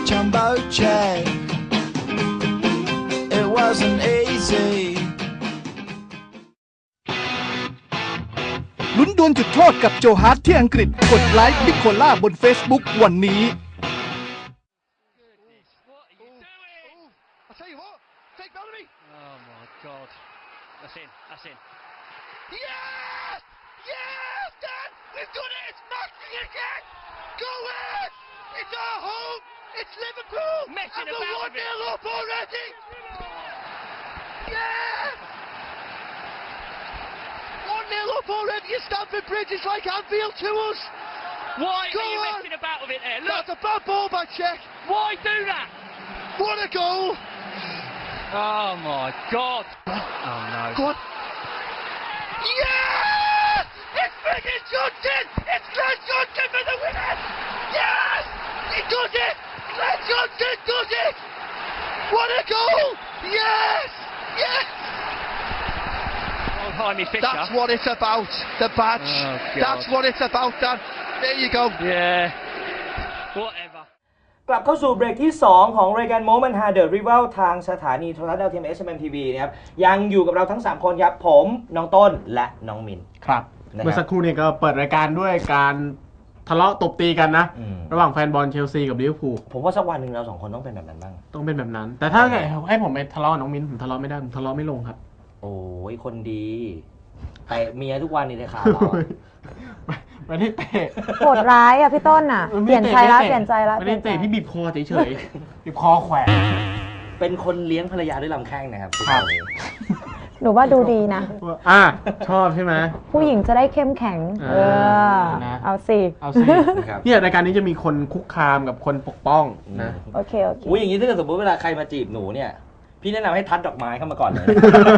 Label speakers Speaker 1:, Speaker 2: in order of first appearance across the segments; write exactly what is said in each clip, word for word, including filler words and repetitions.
Speaker 1: jumbo jet. It wasn't easy.
Speaker 2: ลุ้นดวลจุดโทษกับโจฮาร์ทที่อังกฤษกดไลค์พิกโคล่าบน Facebook วันนี้
Speaker 3: one nil up already at Stamford Bridge. It's like Anfield to us.
Speaker 4: Why
Speaker 3: Go
Speaker 4: are you
Speaker 3: on.
Speaker 4: messing about with it there? Look.
Speaker 3: That's a bad ball by Czech.
Speaker 4: Why do that?
Speaker 3: What a goal.
Speaker 4: Oh my God. Oh no.
Speaker 3: Go on. Yes! It's Brendan Johnson. It's Glenn Johnson for the winner. Yes! He does it. Glenn Johnson does it. What a goal. Yes! Yes!That's what it's about. The badge. Oh, That's what it's about, Dan. There you go.
Speaker 4: Yeah. Whatever.
Speaker 5: กลับเข้าสู่เบรกที่สองของรายการ Moment Hard The Rival ทางสถานีโทรทัศน์ดาวเทียม เอส เอ็ม เอ็ม ที วี นะครับยังอยู่กับเราทั้งสามคนครับผมน้องต้นและน้องมิน
Speaker 6: ครับเมื่อสักครู่เนี่ยก็เปิดรายการด้วยการทะเลาะตบตีกันนะระหว่างแฟนบอลเชลซีกับลิเวอร์พูล
Speaker 5: ผมว่าสักวันหนึ่งเราสองคนต้องเป็นแบบนั้นบ้าง
Speaker 6: ต้องเป็นแบบนั้นแต่ถ้าให้ผมไปทะเลาะกับน้องมินผมทะเลาะไม่ได้ผมทะเลาะไม่ลงครับ
Speaker 5: โอ้ยคนดีแต่เมียทุกวันนี่เลยค่ะเรา
Speaker 6: ไม่ได้เตะ
Speaker 7: โหดร้ายอ่ะพี่ต้นอ่ะเปลี่ยนใจแล้วเปลี่ยนใจแล้ว
Speaker 6: ไม่ได้เตะพี่บีบคอเฉยๆบีบคอแขวน
Speaker 5: เป็นคนเลี้ยงภรรยาด้วยลำแข้งนะครับ
Speaker 6: ครับ
Speaker 7: หนูว่าดูดีนะ
Speaker 6: อ่ะชอบใช่ไหม
Speaker 7: ผู้หญิงจะได้เข้มแข็งเออเอาสิ
Speaker 6: เอาสิเนี่ยรายการนี้จะมีคนคุกคามกับคนปกป้องนะ
Speaker 7: โอเคโอเค
Speaker 5: อุ้ยอย่างนี้ถ้าเกิดสมมติเวลาใครมาจีบหนูเนี่ยพี่แนะนำให้ทัดดอกไม้เข้ามาก่อนเลย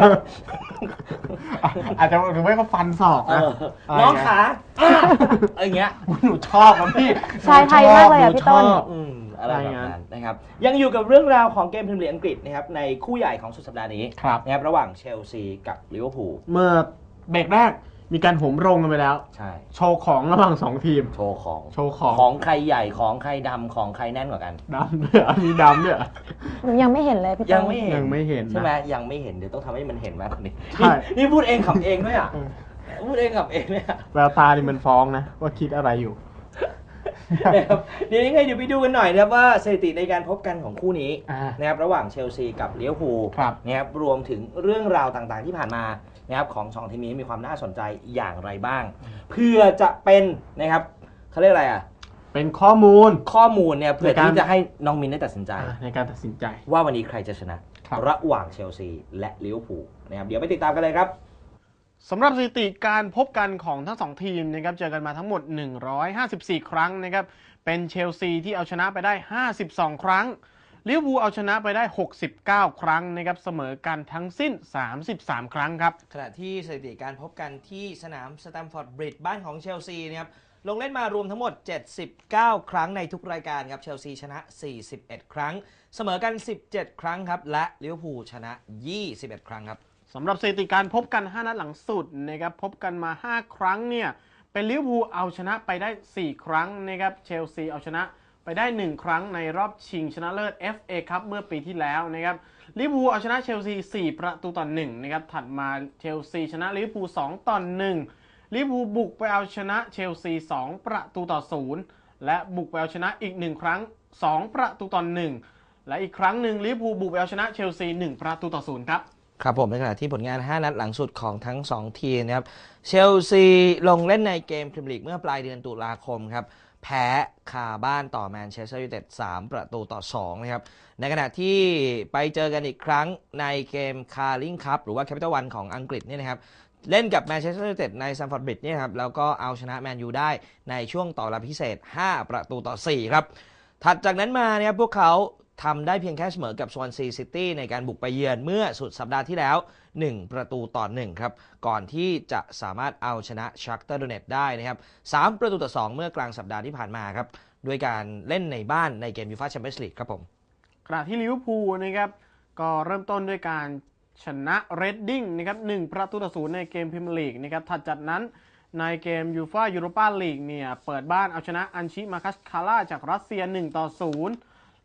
Speaker 6: อาจจะหรือไม่ก็ฟันศอกนะ
Speaker 5: น้องขาอะไรเงี้ย
Speaker 6: หนูชอบครับพี่
Speaker 7: ชายไทยมากเลยอ่ะพี่ต้น
Speaker 5: อะไรแบบนั้นนะครับยังอยู่กับเรื่องราวของเกมพรีเมียร์ลีกอังกฤษนะครับในคู่ใหญ่ของสุดสัปดาห์นี้นะครับระหว่างเชลซีกับลิเวอร์พูล
Speaker 6: เมื่อเบรกแรกมีการโหมโรงกันไปแล้ว
Speaker 5: ใช่
Speaker 6: โชว์ของระหว่างสองทีม
Speaker 5: โชว์ของ
Speaker 6: โชว์ของ
Speaker 5: ของใครใหญ่ของใครดำของใครแน่นกว่ากัน
Speaker 6: ดำด้วยมีดำด้วย
Speaker 7: หนูยังไม่เห็นเลยพี่ต้น
Speaker 5: ยังไม่เห็น
Speaker 6: ยังไม่เห็น
Speaker 5: ใช่ไหมยังไม่เห็นเดี๋ยวต้องทำให้มันเห็นมากกว่านี้นี่พูดเองขำเองด้วยอ่ะพูดเองขำเองเนี่ย
Speaker 6: แววตานี่มันฟ้องนะว่าคิดอะไรอยู่
Speaker 5: นะครับเดี๋ยวยังไงเดี๋ยวไปดูกันหน่อยนะครับว่าสถิติในการพบกันของคู่นี้นะครับระหว่างเชลซีกับลิเวอร์พูลนะครับรวมถึงเรื่องราวต่างๆที่ผ่านมานะครับของสองทีมนี้มีความน่าสนใจอย่างไรบ้างเพื่อจะเป็นนะครับเขาเรียกอะไรอ่ะ
Speaker 6: เป็นข้อมูล
Speaker 5: ข้อมูลเนี่ยเพื่อที่จะให้น้องมินได้ตัดสินใจ
Speaker 6: ในการตัดสินใจ
Speaker 5: ว่าวันนี้ใครจะชนะระหว่างเชลซีและลิเวอร์พูลนะครับเดี๋ยวไปติดตามกันเลยครับ
Speaker 6: สำหรับสถิติการพบกันของทั้งสองทีมนะครับเจอกันมาทั้งหมดหนึ่งร้อยห้าสิบสี่ครั้งนะครับเป็นเชลซีที่เอาชนะไปได้ห้าสิบสองครั้งลิเวอร์พูลเอาชนะไปได้หกสิบเก้าครั้งนะครับเสมอกันทั้งสิ้นสามสิบสามครั้งครับ
Speaker 5: ขณะที่สถิติการพบกันที่สนามสแตมฟอร์ดบริดจ์บ้านของเชลซีนะครับลงเล่นมารวมทั้งหมดเจ็ดสิบเก้าครั้งในทุกรายการครับเชลซีชนะสี่สิบเอ็ดครั้งเสมอกันสิบเจ็ดครั้งครับและลิเวอร์พูลชนะยี่สิบเอ็ดครั้งครับ
Speaker 6: สำหรับสถิติการพบกันห้านัดหลังสุดนะครับพบกันมาห้าครั้งเนี่ยเป็นลิเวอร์พูลเอาชนะไปได้สี่ครั้งนะครับเชลซีเอาชนะไปได้หนึ่งครั้งในรอบชิงชนะเลิศ เอฟ เอ Cup เมื่อปีที่แล้วนะครับลิเวอร์พูลเอาชนะเชลซีสี่ประตูต่อหนึ่งนะครับถัดมาเชลซีชนะลิเวอร์พูลสองต่อหนึ่งลิเวอร์พูลบุกไปเอาชนะเชลซีสองประตูต่อศูนย์และบุกไปเอาชนะอีกหนึ่งครั้งสองประตูต่อหนึ่งและอีกครั้งหนึ่งลิเวอร์พูลบุกไปเอาชนะเชลซีหนึ่งประตูต่อศูนย์ครับ
Speaker 5: ครับผมในขณะที่ผลงานห้านัดหลังสุดของทั้งสองทีมนะครับเชลซีลงเล่นในเกมพรีเมียร์ลีกเมื่อปลายเดือนตุลาคมครับแพ้คาบ้านต่อแมนเชสเตอร์ยูไนเต็ดสามประตูต่อสองนะครับในขณะที่ไปเจอกันอีกครั้งในเกมคาร์ลิงคัพหรือว่าแคปิตอลวันของอังกฤษนี่นะครับเล่นกับแมนเชสเตอร์ยูไนเต็ดในซัมฟอร์ดบริดจ์เนี่ยครับแล้วก็เอาชนะแมนยูได้ในช่วงต่อเวลาพิเศษห้าประตูต่อสี่ครับถัดจากนั้นมาเนี่ยพวกเขาทำได้เพียงแค่เสมอกับสวอนซีซิตี้ในการบุกไปเยือนเมื่อสุดสัปดาห์ที่แล้วหนึ่งประตูต่อหนึ่งครับก่อนที่จะสามารถเอาชนะชักเตอร์โดเนตได้นะครับสามประตูต่อสองเมื่อกลางสัปดาห์ที่ผ่านมาครับด้วยการเล่นในบ้านในเกมยูฟ่าแชมเปี้ยนส์ลีกครับผม
Speaker 6: ขณะที่ลิเวอร์พูลนะครับก็เริ่มต้นด้วยการชนะเรดดิ้งนะครับหนึ่งประตูต่อศูนย์ในเกมพรีเมียร์ลีกนะครับถัดจากนั้นในเกมยูฟ่ายูโรปาลีกเนี่ยเปิดบ้านเอาชนะอันชิมาคัสคาร่าจากรัสเซียหนึ่งต่อศูนย์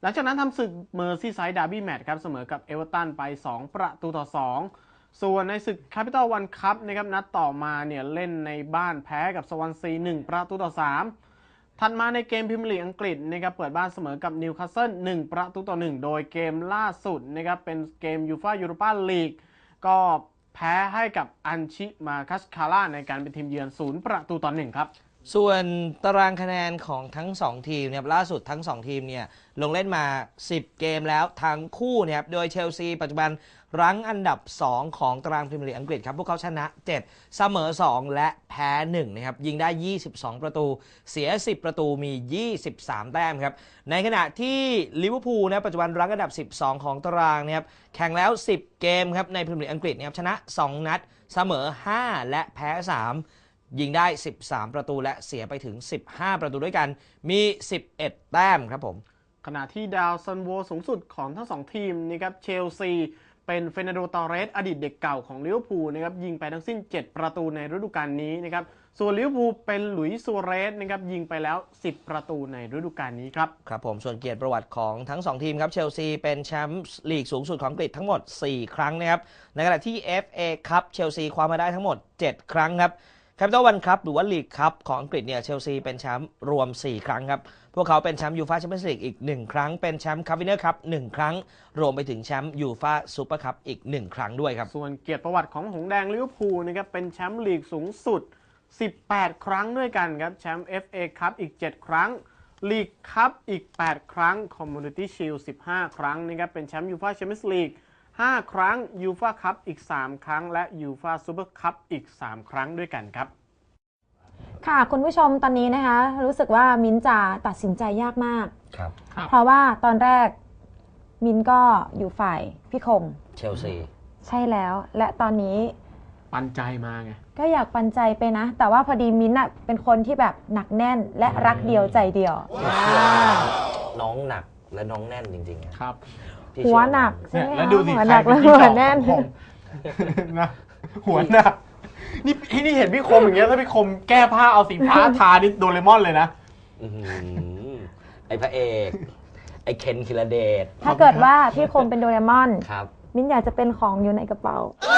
Speaker 6: หลังจากนั้นทำศึกเมอร์ซีไซด์ดาร์บี้แมตช์ครับเสมอกับเอเวอร์ตันไปสองประตูต่อสองส่วนในศึก Capital One Cup นะครับนัดต่อมาเนี่ยเล่นในบ้านแพ้กับสวอนซีหนึ่งประตูต่อสามถัดมาในเกมพรีเมียร์ลีกอังกฤษนะครับเปิดบ้านเสมอกับนิวคาสเซิลหนึ่งประตูต่อหนึ่งโดยเกมล่าสุดนะครับเป็นเกมยูฟ่ายูโรปาลีกก็แพ้ให้กับอันชิมาคัสคาร่าในการเป็นทีมเยือนศูนย์ประตูต่อหนึ่งครับ
Speaker 5: ส่วนตารางคะแนนของทั้งสองทีมเนี่ยล่าสุดทั้งสองทีมเนี่ยลงเล่นมาสิบเกมแล้วทั้งคู่เนี่ยโดยเชลซีปัจจุบันรั้งอันดับสองของตารางพรีเมียร์ลีกอังกฤษครับพวกเขาชนะเจ็ดเสมอสองและแพ้หนึ่งนะครับยิงได้ยี่สิบสองประตูเสียสิบประตูมียี่สิบสามแต้มครับในขณะที่ลิเวอร์พูลนะปัจจุบันรั้งอันดับสิบสองของตารางนะครับแข่งแล้วสิบเกมครับในพรีเมียร์ลีกอังกฤษนะครับชนะสองนัดเสมอห้าและแพ้สามยิงได้สิบสามประตูและเสียไปถึงสิบห้าประตูด้วยกันมีสิบเอ็ดแต้มครับผม
Speaker 6: ขณะที่ดาวซันโวสูงสุดของทั้งสองทีมนะครับเชลซีเป็นเฟรนันโด ตอร์เรสอดีตเด็กเก่าของลิเวอร์พูลนะครับยิงไปทั้งสิ้นเจ็ดประตูในฤดูกาลนี้นะครับส่วนลิเวอร์พูลเป็นหลุยส์ซัวเรสนะครับยิงไปแล้วสิบประตูในฤดูกาลนี้ครับ
Speaker 5: ครับผมส่วนเกียรติประวัติของทั้งสองทีมครับเชลซีเป็นแชมป์ลีกสูงสุดของอังกฤษทั้งหมดสี่ครั้งนะครับในขณะที่ เอฟ เอ Cup เชลซีคว้ามาได้ทั้งหมดเจ็ดครั้งครับCapital One Cup หรือว่าลีกคัพของอังกฤษเนี่ยเชลซีเป็นแชมป์รวมสี่ครั้งครับพวกเขาเป็นแชมป์ยูฟ่าแชมเปี้ยนส์ลีกอีกหนึ่งครั้งเป็นแชมป์คัพวินเนอร์คัพหนึ่งครั้งรวมไปถึงแชมป์ยูฟ่าซูเปอร์คัพอีกหนึ่งครั้งด้วยครับ
Speaker 6: ส่วนเกียรติประวัติของหงส์แดงลิเวอร์พูลนะครับเป็นแชมป์ลีกสูงสุดสิบแปดครั้งด้วยกันครับแชมป์ เอฟ เอ Cup อีกเจ็ดครั้งลีกคัพอีกแปดครั้ง Community Shield สิบห้าครั้งนะครับเป็นแชมป์ยูฟ่าแชมเปี้ยนส์ลีกห้าครั้งยูฟ่าคัพอีกสามครั้งและยูฟ่าซูเปอร์คัพอีกสามครั้งด้วยกันครับ
Speaker 7: ค่ะคุณผู้ชมตอนนี้นะคะรู้สึกว่ามิ้นจะตัดสินใจยากมาก
Speaker 5: ครับ
Speaker 7: เพราะว่าตอนแรกมิ้นก็อยู่ฝ่ายพี่คม
Speaker 5: เชลซี
Speaker 7: ใช่แล้วและตอนนี้
Speaker 6: ปันใจมาไง
Speaker 7: ก็อยากปันใจไปนะแต่ว่าพอดีมิ้นท์เป็นคนที่แบบหนักแน่นและรักเดียวใจเดียว
Speaker 5: น้องหนักและน้องแน่นจริงๆ
Speaker 6: ครับ
Speaker 7: หัวหนักใช่ไหม
Speaker 6: แล้วดูสิ
Speaker 7: หัวหนักและหัวแน่น
Speaker 6: นะหัวหนักนี่นี่เห็นพี่คมอย่างเงี้ยถ้าพี่คมแก้ผ้าเอาสีฟ้าทานี่โดเรมอนเลยนะ
Speaker 5: ไอ้พระเอกไอ้เคนคิลเดช
Speaker 7: ถ้าเกิดว่าพี่คมเป็นโดเรมอน
Speaker 5: ครับ
Speaker 7: มิ้นอยากจะเป็นของอยู่ในกระเป๋า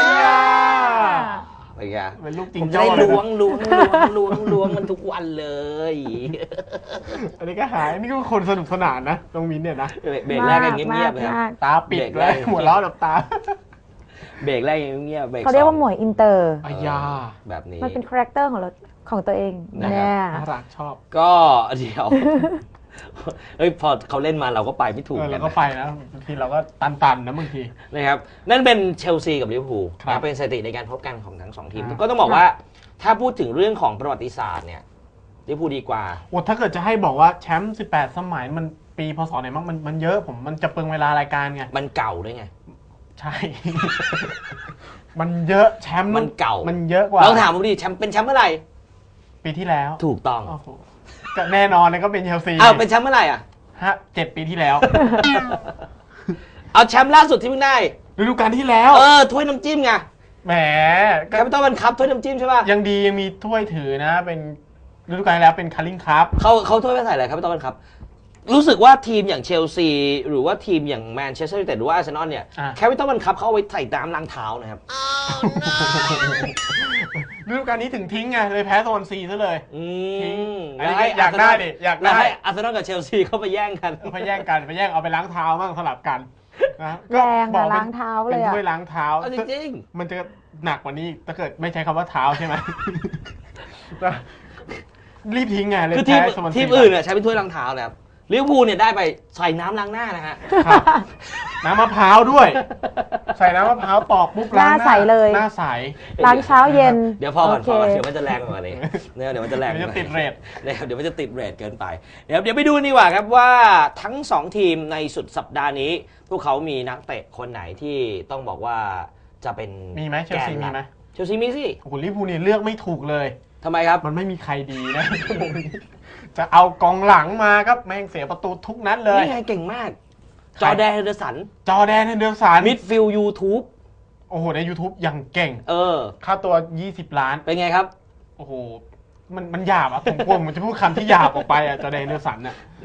Speaker 5: ไปแก
Speaker 6: เป็นลูกจริง
Speaker 5: ผมจะได้ล้วงล้วงล้วงล้วงล้วงมันทุกวันเลย
Speaker 6: อันนี้ก็หายนี่ก็คนสนุกสนานนะตรงมิ้นเนี่ยนะ
Speaker 5: เบรกแรกยังเงียบๆครับ
Speaker 6: ตาปิดเลยหัวเราะแบบตา
Speaker 5: เบรกแรกยังเงียบ
Speaker 7: เขาเรียกว่าหมวยอินเตอร์
Speaker 6: อายา
Speaker 5: แบบนี้
Speaker 7: มันเป็นคาแรคเตอร์ของเราของตัวเอง
Speaker 6: แน่น่ารักชอบ
Speaker 5: ก็เดี๋ยวเฮ้ยพอเขาเล่นมาเราก็ไปไม่ถูก
Speaker 6: กันเราก็ไปนะบางทีเราก็ตันๆนะบางที
Speaker 5: นะครับนั่นเป็นเชลซีกับลิเวอร์พูลเป็นสถิติในการพบกันของทั้งสองทีมก็ต้องบอกว่าถ้าพูดถึงเรื่องของประวัติศาสตร์เนี่ยลิเวอร์พูลดีกว่า
Speaker 6: โอ้ถ้าเกิดจะให้บอกว่าแชมป์สิบแปดสมัยมันปีพศไหนมั้งมันมันเยอะผมมันจะเปลืองเวลารายการไง
Speaker 5: มันเก่าด้วยไง
Speaker 6: ใช่มันเยอะแชมป์
Speaker 5: มันเก่า
Speaker 6: มันเยอะกว่า
Speaker 5: เราถามผมดิแชมป์เป็นแชมป์เมื่อไหร่
Speaker 6: ปีที่แล้ว
Speaker 5: ถูกต้อง
Speaker 6: ก็แน่นอนเลยก็เป็นเชลซี
Speaker 5: อ้าวเป็นแชมป์เมื่อไหร่อ่ะ
Speaker 6: ฮะเจ็ดปีที่แล้ว
Speaker 5: เอาแชมป์ล่าสุดที่เพิ่งได้
Speaker 6: ฤดูกาลที่แล้ว
Speaker 5: เออถ้วยน้ำจิ้มไง
Speaker 6: แหม
Speaker 5: แคปิตอลวันคัพถ้วยน้ำจิ้มใช่ป่ะ
Speaker 6: ยังดียังมีถ้วยถือนะเป็นฤดูกาลที่แล้วเป็นคาริงคัพ
Speaker 5: เขาเขาถ้วยไปใส่อะไรแคปิตอลวันคัพรู้สึกว่าทีมอย่างเชลซีหรือว่าทีมอย่างแมนเชสเตอร์ยูไนเต็ดหรือว่าอาร์เซนอลเนี่ยแคปิตอลวันคัพเขาเอาไว้ใส่น้ำล้างเท้านะครับ
Speaker 6: ฤดูกาลนี้ถึงทิ้งไงเลยแพ้โซนซีซะเลย
Speaker 5: ทิ้ง
Speaker 6: อยากได้ดิอยากได้
Speaker 5: ให้อาร์เซนอลกับเชลซีเข้าไปแย่งกัน
Speaker 6: ไปแย่งกันไปแย่งเอาไปล้างเท้าบ้างสลับกัน
Speaker 7: นะแรงอะล้างเท้าเลย
Speaker 6: เป็นถ้วยล้างเท้า
Speaker 5: จริง
Speaker 6: ๆมันจะหนักกว่านี้ถ้าเกิดไม่ใช้คำว่าเท้าใช่ไหมรีบทิ้งไงเลย
Speaker 5: คือทีมทีมอื่นเนี่ยใช้เป็นถ้วยล้างเท้านะครับลิเวอร์พูลเนี่ยได้ไปใส่น้ำล้างหน้านะฮะ
Speaker 6: น้ำมะพร้าวด้วยใส่น้ำมะพร้าวตอกปุ๊บล้างหน้า
Speaker 7: ใสเลย
Speaker 6: หน้าใส
Speaker 7: ล้างเช้าเย็น
Speaker 5: เดี๋ยวพอก่อนพอก่อนเดี๋ยวมันจะแรงกว่านี้เดี๋ยวมันจะแรง
Speaker 6: เดี๋ยวมันจะติดเรท
Speaker 5: เดี๋ยวมันจะติดเรทเกินไปเดี๋ยวเดี๋ยวไปดูดีกว่าครับว่าทั้งสองทีมในสุดสัปดาห์นี้พวกเขามีนักเตะคนไหนที่ต้องบอกว่าจะเป็น
Speaker 6: มีไหมเชลซีมีไหม
Speaker 5: เชลซีมีสิ
Speaker 6: โอ้โหลิเวอร์พูลเนี่ยเลือกไม่ถูกเลย
Speaker 5: ทำไมครับ
Speaker 6: มันไม่มีใครดีนะจะเอากองหลังมาครับแม่งเสียประตูทุกนัดเลย
Speaker 5: นี่ไงเก่งมากจอแดนเฮนเดอร์สัน
Speaker 6: จอแดนเฮนเดอร์สัน
Speaker 5: มิดฟิลด์ YouTube
Speaker 6: โอ้โหใน YouTube อย่างเก่ง
Speaker 5: เออ
Speaker 6: ค่าตัวยี่สิบล้าน
Speaker 5: เป็นไงครับ
Speaker 6: โอ้โหมันมันหยาบอ่ะผมกลัวมันจะพูดคำที่หยาบออกไปอ่ะจอแดนเฮนเดอร์สันน่ะ